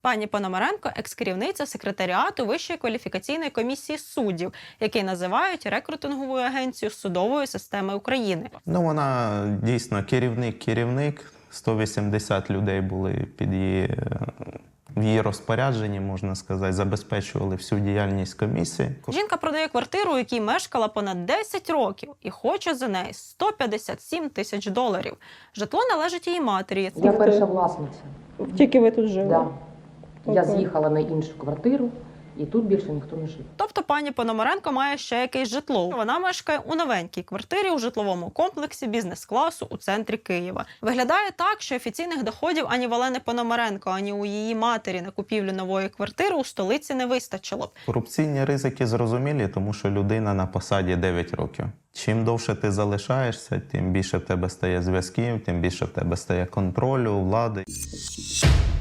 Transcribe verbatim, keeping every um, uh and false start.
Пані Пономаренко – екс-керівниця секретаріату Вищої кваліфікаційної комісії суддів, який називають рекрутинговою агенцією судової системи України. Ну, вона дійсно керівник-керівник. сто вісімдесят людей були під її, в її розпорядженні, можна сказати, забезпечували всю діяльність комісії. Жінка продає квартиру, у якій мешкала понад десять років, і хоче за неї сто п'ятдесят сім тисяч доларів. Житло належить її матері. Я перша власниця. Тільки ви тут жили? Да. Я Окей. з'їхала на іншу квартиру, і тут більше ніхто не жив. Тобто пані Пономаренко має ще якесь житло. Вона мешкає у новенькій квартирі у житловому комплексі бізнес-класу у центрі Києва. Виглядає так, що офіційних доходів ані Валени Пономаренко, ані у її матері на купівлю нової квартири у столиці не вистачило б. Корупційні ризики зрозумілі, тому що людина на посаді дев'ять років. Чим довше ти залишаєшся, тим більше в тебе стає зв'язків, тим більше в тебе стає контролю, влади.